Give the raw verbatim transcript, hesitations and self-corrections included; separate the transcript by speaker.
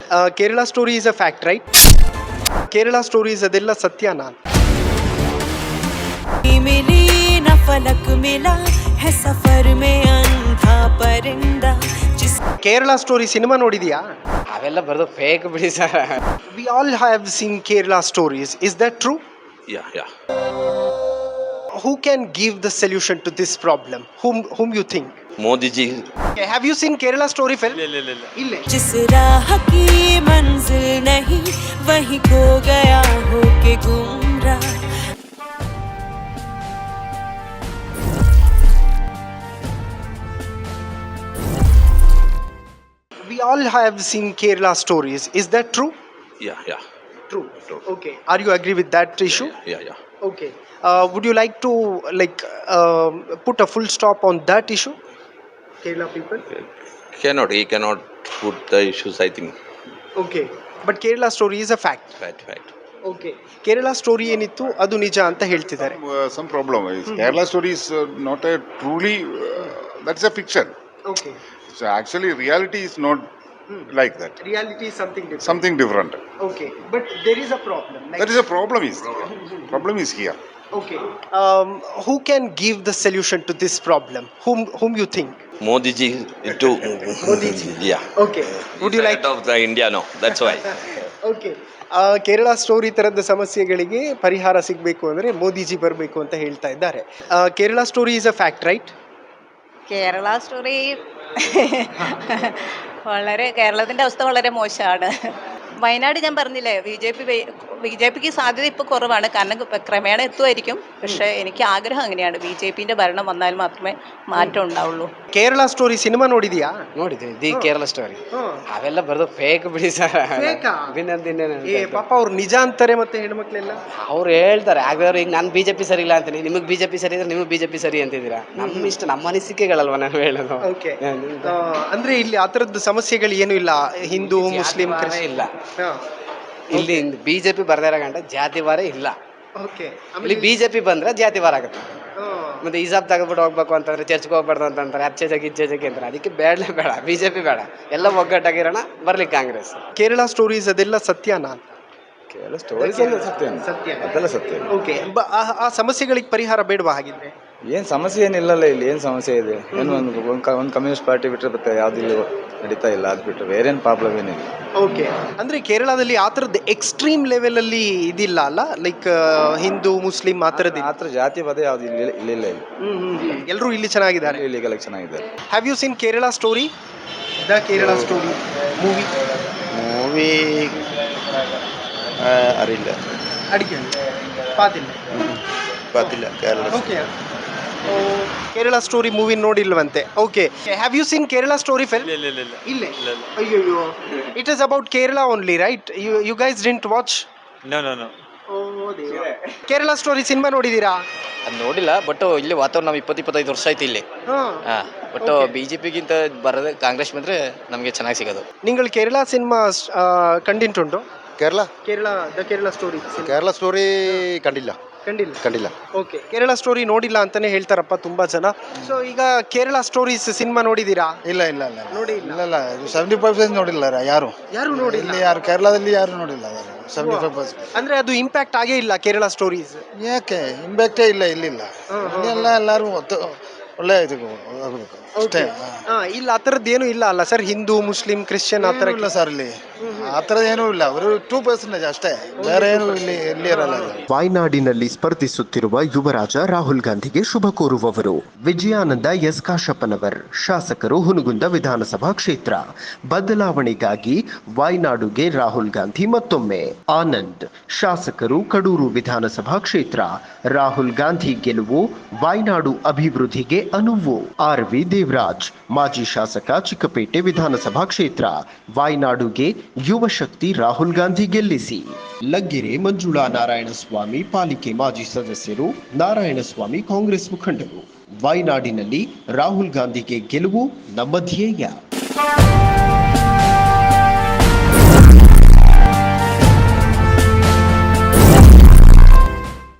Speaker 1: Kerala story is a fact right? Kerala stories ಅದೆಲ್ಲ ಸತ್ಯನಾ?
Speaker 2: मिली न फलक मिला है सफर में अंधा परिंदा जिस
Speaker 1: ಕೇರಳ ಸ್ಟೋರಿ ಸಿನಿಮಾ ನೋಡಿದ್ಯಾ?
Speaker 3: ಅವೆಲ್ಲ ಬರೋದು ಫೇಕ್ ಬಿಡಿ sir.
Speaker 1: We all have seen Kerala stories. Is that true?
Speaker 4: Yeah, yeah.
Speaker 1: Who can give the solution to this problem? Whom whom you think?
Speaker 4: Modi ji.
Speaker 1: Okay, have you seen Kerala story film? ಇಲ್ಲ.
Speaker 2: जिस राह की मंजिल नहीं वहीं खो गया हो के गुमराह.
Speaker 1: We all have seen Kerala stories. Is that true?
Speaker 4: Yeah, yeah.
Speaker 1: True.
Speaker 4: True.
Speaker 1: Okay. Are you agree with that issue?
Speaker 4: Yeah, yeah.
Speaker 1: Okay. Uh, would you like to like um put a full stop on that issue? Kerala people?
Speaker 4: Cannot, he cannot put the issues, I think.
Speaker 1: Okay. But Kerala story is a fact.
Speaker 4: Right, right.
Speaker 1: Okay. Kerala story ಏನಿತ್ತು ಅದು ನಿಜ ಅಂತ ಹೇಳ್ತಿದ್ದಾರೆ.
Speaker 5: Uh, some problem is Kerala story is uh, not a truly uh, that's a fiction.
Speaker 1: Okay.
Speaker 5: So actually reality is not like that.
Speaker 1: Reality is something different.
Speaker 5: Something different.
Speaker 1: Okay. But there is a problem. Like,
Speaker 5: That is a problem is problem is here.
Speaker 1: okay. Um, who can give the solution to this problem? Whom whom you think?
Speaker 4: Modi ji to.
Speaker 1: Modi ji.
Speaker 4: Yeah.
Speaker 1: Okay. Would you
Speaker 4: He's
Speaker 1: like?
Speaker 4: head of the India now. That's why.
Speaker 1: Okay. Kerala story ಥರದ ಸಮಸ್ಯೆಗಳಿಗೆ ಪರಿಹಾರ ಸಿಗಬೇಕು ಅಂದರೆ ಮೋದಿಜಿ ಬರಬೇಕು ಅಂತ ಹೇಳ್ತಾ ಇದ್ದಾರೆ. Kerala story is a fact right?
Speaker 6: Kerala story വളരെ കേരളത്തിൻ്റെ അവസ്ഥ വളരെ മോശമാണ്. വയനാട് ഞാൻ പറഞ്ഞില്ലേ, B J P B J പിക്ക് സാധ്യത ഇപ്പോൾ കുറവാണ്, കാരണം ക്രമേണ എത്തുമായിരിക്കും. പക്ഷേ എനിക്ക് ആഗ്രഹം അങ്ങനെയാണ്, ബി ജെ പിൻ്റെ ഭരണം വന്നാൽ മാത്രമേ മാറ്റം ഉണ്ടാവുള്ളൂ.
Speaker 1: ಕೇರಳ ಸ್ಟೋರಿ ಸಿನಿಮಾ ನೋಡಿದ್ಯಾ?
Speaker 3: ನೋಡಿದ್ವಿ ದಿ ಕೇರಳ ಸ್ಟೋರಿ. ಅವೆಲ್ಲ ಬರೋದು ಫೇಕ್ ಬಿಡಿ ಸರ್.
Speaker 1: ಏ ಪಾಪ ಅವ್ರು ನಿಜ ಅಂತಾರೆ ಮತ್ತೆ ಹೆಣ್ಮಕ್ಳೆಲ್ಲ.
Speaker 3: ಅವ್ರು ಹೇಳ್ತಾರೆ ಆಗಿದವ್ರು ಈಗ ನಾನು ಬಿಜೆಪಿ ಸರಿ ಇಲ್ಲ ಅಂತೀನಿ, ನಿಮಗೆ ಬಿಜೆಪಿ ಸರಿ ಇದ್ರೆ ನಿಮಗೆ ಬಿಜೆಪಿ ಸರಿ ಅಂತಿದ್ದೀರಾ. ನಮ್ಮ ಇಷ್ಟ ನಮ್ಮ ಅನಿಸಿಕೆಗಳಲ್ವ ನಾವು ಹೇಳೋದು.
Speaker 1: ಓಕೆ. ಅಂದ್ರೆ ಇಲ್ಲಿ ಆ ಥರದ್ದು ಸಮಸ್ಯೆಗಳು ಏನು ಇಲ್ಲ, ಹಿಂದೂ ಮುಸ್ಲಿಂ ಕ್ರಿಶ್ಚಿಯನ್
Speaker 3: ಇಲ್ಲ. ಇಲ್ಲಿ ಬಿಜೆಪಿ ಬರ್ದೇ ಇರೋ ಗಂಟ ಜಾತಿವಾರ ಇಲ್ಲ.
Speaker 1: ಓಕೆ.
Speaker 3: ಇಲ್ಲಿ ಬಿಜೆಪಿ ಬಂದ್ರೆ ಜಾತಿವಾರ ಆಗುತ್ತೆ. ಮತ್ತೆ ಹಿಜಾಬ್ ತಗೊಬಿಟ್ಟು ಹೋಗ್ಬೇಕು ಅಂತಂದ್ರೆ ಚರ್ಚ್ಗೆ ಹೋಗ್ಬಾರ್ದು ಅಂತಂತಾರೆ, ಅಚ್ಚೆ ಜಗಿ ಇಚ್ಚೆ ಜಗಿ ಅಂತಾರೆ. ಅದಕ್ಕೆ ಬೇಡಲೇ ಬೇಡ, ಬಿಜೆಪಿ ಬೇಡ, ಎಲ್ಲ ಒಗ್ಗಟ್ಟಾಗಿರೋಣ, ಬರ್ಲಿ ಕಾಂಗ್ರೆಸ್.
Speaker 1: ಕೇರಳ ಸ್ಟೋರೀಸ್ ಅದೆಲ್ಲ ಸತ್ಯನಾ?
Speaker 5: Kerala stories ಎಲ್ಲ ಸತ್ಯ.
Speaker 1: ಸತ್ಯ.
Speaker 5: ಅದೆಲ್ಲ ಸತ್ಯ.
Speaker 1: ಓಕೆ. ಆ ಸಮಸ್ಯೆಗಳಿಗೆ ಪರಿಹಾರ ಬೇಡವಾ ಹಾಗಿದ್ರೆ?
Speaker 7: ಏನು ಸಮಸ್ಯೆ ಏನಿಲ್ಲಲ್ಲ, ಇಲ್ಲಿ ಏನು ಸಮಸ್ಯೆ ಇದೆ? ಏನು ಒಂದು ಒಂದು ಕಮ್ಯುನಿಸ್ಟ್ ಪಾರ್ಟಿ ಬಿಟ್ಟರೆ ಮತ್ತೆ ಯಾವ್ದು ಇಲ್ಲಿ ನಡೀತಾ ಇಲ್ಲ, ಅದು ಬಿಟ್ಟರೆ ಬೇರೇನು ಪ್ರಾಬ್ಲಮ್ ಏನಿಲ್ಲ.
Speaker 1: ಓಕೆ. ಅಂದರೆ ಕೇರಳದಲ್ಲಿ ಆ ಥರದ್ದು ಎಕ್ಸ್ಟ್ರೀಮ್ ಲೆವೆಲಲ್ಲಿ ಇದಿಲ್ಲ ಅಲ್ಲ, ಲೈಕ್ ಹಿಂದೂ ಮುಸ್ಲಿಂ ಆ ಥರದ್ದು
Speaker 7: ಆ ಥರ ಜಾತಿ ಪದ ಯಾವ್ದು ಇಲ್ಲಿ ಇಲ್ಲಿಲ್ಲ. ಇಲ್ಲಿ
Speaker 1: ಎಲ್ಲರೂ ಇಲ್ಲಿ ಚೆನ್ನಾಗಿದ್ದಾರೆ,
Speaker 7: ಇಲ್ಲಿಗೆಲ್ಲ ಚೆನ್ನಾಗಿದ್ದಾರೆ.
Speaker 1: Have you seen Kerala story? The Kerala story movie
Speaker 7: movie അറിയില്ല,
Speaker 1: ಅಡಿಕೆ ಪಾತಿಲ್ಲ
Speaker 7: ಗೊತ್ತಿಲ್ಲ. Kerala
Speaker 1: okay. Kerala story movie ನೋಡಿಲ್ವಂತೆ. Okay. Have you seen Kerala story film? ಇಲ್ಲೇ. ಅಯ್ಯೋ, it is about Kerala only right? You you guys didn't watch?
Speaker 8: No no no.
Speaker 1: Kerala story cinema ನೋಡಿದ್ದೀರಾ?
Speaker 3: ಅದು ನೋಡಿಲ್ಲ, ಬಟ್ ಇಲ್ಲಿ ವಾತಾವರಣ ನಾವು ಇಪ್ಪತ್ತು ಇಪ್ಪತ್ತೈದು ವರ್ಷ ಆಯ್ತು ಇಲ್ಲಿ. ಹಾಂ, ಬಟ್ ಬಿಜೆಪಿಗಿಂತ ಬರೋದೇ ಕಾಂಗ್ರೆಸ್ ಬಂದರೆ ನಮಗೆ ಚೆನ್ನಾಗಿ ಸಿಗೋದು.
Speaker 1: നിങ്ങൾ കേരള സിനിമ കണ്ടിട്ടുണ്ടോ?
Speaker 9: Kerala
Speaker 1: Kerala the Kerala story
Speaker 9: Kerala story കണ്ടില്ല
Speaker 1: ಕಂಡಿಲ್ಲ
Speaker 9: കണ്ടില്ല
Speaker 1: ಓಕೆ. ಕೇರಳ ಸ್ಟೋರಿ ನೋಡಿಲ್ಲ ಅಂತಾನೆ ಹೇಳ್ತಾರಪ್ಪ ತುಂಬಾ ಜನ. ಸೊ ಈಗ ಕೇರಳ ಸ್ಟೋರೀಸ್ ಸಿನಿಮಾ ನೋಡಿದೀರಾ?
Speaker 9: ಇಲ್ಲ ಇಲ್ಲ ಇಲ್ಲ
Speaker 1: ನೋಡಿ ಇಲ್ಲ
Speaker 9: ಇಲ್ಲ ಇಲ್ಲ ಸೆವೆಂಟಿ ಫೈವ್ ಪರ್ಸೆಂಟ್ ನೋಡಿಲ್ಲ ಯಾರು
Speaker 1: ಯಾರು ನೋಡಿಲ್ಲ.
Speaker 9: ಇಲ್ಲಿ ಯಾರು ಕೇರಳದಲ್ಲಿ ಯಾರು ನೋಡಿಲ್ಲ ಸೆವೆಂಟಿ ಫೈವ್ ಪರ್ಸೆಂಟ್.
Speaker 1: ಅಂದ್ರೆ ಅದು ಇಂಪ್ಯಾಕ್ಟ್ ಆಗೇ ಇಲ್ಲ ಕೇರಳ ಸ್ಟೋರೀಸ್.
Speaker 9: ಯಾಕೆ ಇಂಪ್ಯಾಕ್ಟೇ ಇಲ್ಲ ಇಲ್ಲಿಲ್ಲ. ಎಲ್ಲ ಎಲ್ಲರೂ ಒಳ್ಳೆ ಇದು ಆಗಬೇಕು ಅಷ್ಟೇ.
Speaker 1: ಇಲ್ಲ ಆ ಥರದ್ದು ಏನು ಇಲ್ಲ ಅಲ್ಲ ಸರ್, ಹಿಂದೂ ಮುಸ್ಲಿಂ ಕ್ರಿಶ್ಚಿಯನ್ ಆ ಥರ
Speaker 9: ಇಲ್ಲ ಸರ್, ಇಲ್ಲಿ ಆ ಥರದ್ದು ಏನೂ ಇಲ್ಲ. ಅವರು ಟೂ ಪರ್ಸೆಂಟೇಜ್ ಅಷ್ಟೇ, ಬೇರೆ ಏನು ಇಲ್ಲಿ ಇಲ್ಲಿ ಇರಲ್ಲ.
Speaker 10: ವಾಯ್ನಾಡಿನಲ್ಲಿ ಸ್ಪರ್ಧಿಸುತ್ತಿರುವ ಯುವರಾಜ ರಾಹುಲ್ ಗಾಂಧಿಗೆ ಶುಭ ಕೋರುವವರು ವಿಜಯಾನಂದ ಎಸ್ ಕಾಶಪ್ಪನವರ್, ಶಾಸಕರು ಹುನಗುಂದ ವಿಧಾನಸಭಾ ಕ್ಷೇತ್ರ. ಬದಲಾವಣೆಗಾಗಿ ವಾಯ್ನಾಡುಗೆ ರಾಹುಲ್ ಗಾಂಧಿ ಮತ್ತೊಮ್ಮೆ. ಆನಂದ್, ಶಾಸಕರು ಕಡೂರು ವಿಧಾನಸಭಾ ಕ್ಷೇತ್ರ. ರಾಹುಲ್ ಗಾಂಧಿ ಗೆಲುವು ವಾಯ್ನಾಡು ಅಭಿವೃದ್ಧಿಗೆ ಅನುವು. ಆರ್ ವಿ ದೇವರಾಜ್, ಮಾಜಿ ಶಾಸಕ, ಚಿಕ್ಕಪೇಟೆ ವಿಧಾನಸಭಾ ಕ್ಷೇತ್ರ. ವಾಯ್ನಾಡುಗೆ ಯುವ ಶಕ್ತಿ ರಾಹುಲ್ ಗಾಂಧಿ ಗೆಲ್ಲಿಸಿ. ಲಗ್ಗೆರೆ ಮಂಜುಳಾ ನಾರಾಯಣಸ್ವಾಮಿ, ಪಾಲಿಕೆ ಮಾಜಿ ಸದಸ್ಯರು. ನಾರಾಯಣಸ್ವಾಮಿ ಕಾಂಗ್ರೆಸ್ ಮುಖಂಡರು. ವಾಯ್ನಾಡಿನಲ್ಲಿ ರಾಹುಲ್ ಗಾಂಧಿಗೆ ಗೆಲುವು ನಮ್ಮ ಧ್ಯೇಯ.